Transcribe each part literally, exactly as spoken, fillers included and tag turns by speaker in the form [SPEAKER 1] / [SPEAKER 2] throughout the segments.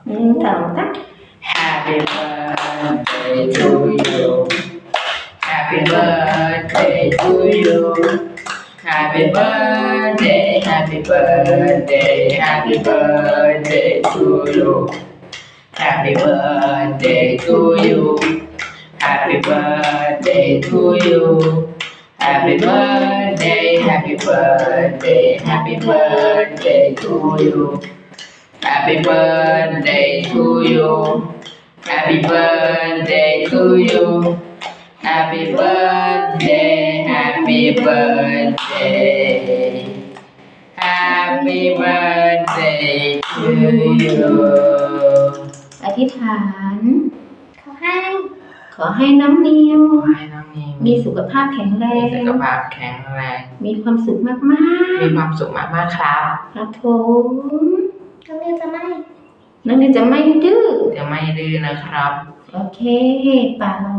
[SPEAKER 1] หนึ่งสองสาม
[SPEAKER 2] Happy birthday to you Happy birthday to you Happy birthday Happy birthday Happy birthday to you Happy birthday to you Happy birthday to you Happy birthday Happy birthday Happy birthday to you Happy birthday to you Happy birthday to you Happy birthday Happy birthday Happy birthday to you
[SPEAKER 1] อธิษฐาน
[SPEAKER 3] ขอให้
[SPEAKER 1] ขอให้น้องนิว
[SPEAKER 2] ขอให้น้องนิว
[SPEAKER 1] มีสุขภาพแข็งแร
[SPEAKER 2] มี
[SPEAKER 1] ง
[SPEAKER 2] สุขภาพแข็งแรง
[SPEAKER 1] มีความสุขมาก
[SPEAKER 2] มีความสุขมากๆครับ
[SPEAKER 1] ๆครับผม
[SPEAKER 3] น้องนิวจะไม่
[SPEAKER 1] น้องนิวจะไม่ดื้อ
[SPEAKER 2] จะไม่ดื้อนะครับ
[SPEAKER 1] โอเคป่าเรา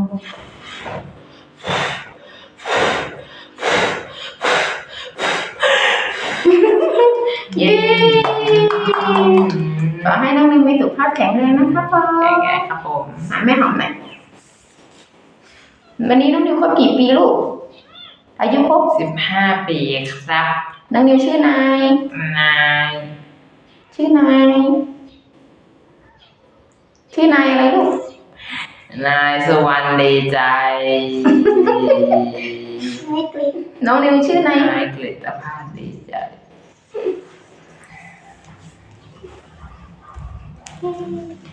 [SPEAKER 1] เย้ขอให้น้องนิวมีสุขภาพแข็งแรงนะครับพ่อ
[SPEAKER 2] แก่แก่ครับผม
[SPEAKER 1] หาแม่หอมหน่อยวันนี้น้องนิวครบกี่ปีลูก อายุครบ
[SPEAKER 2] สิบห้าปีครับ
[SPEAKER 1] น้องนิวชื่อนาย
[SPEAKER 2] นาย
[SPEAKER 1] ชื่อนาย ชื่อนายอะไรลูก
[SPEAKER 2] นายสุวรรณดีใจ
[SPEAKER 3] ไม่กลิ้น
[SPEAKER 1] น้องนิวชื่อนาย
[SPEAKER 2] นายกฤตภาพดีใจ
[SPEAKER 3] อืม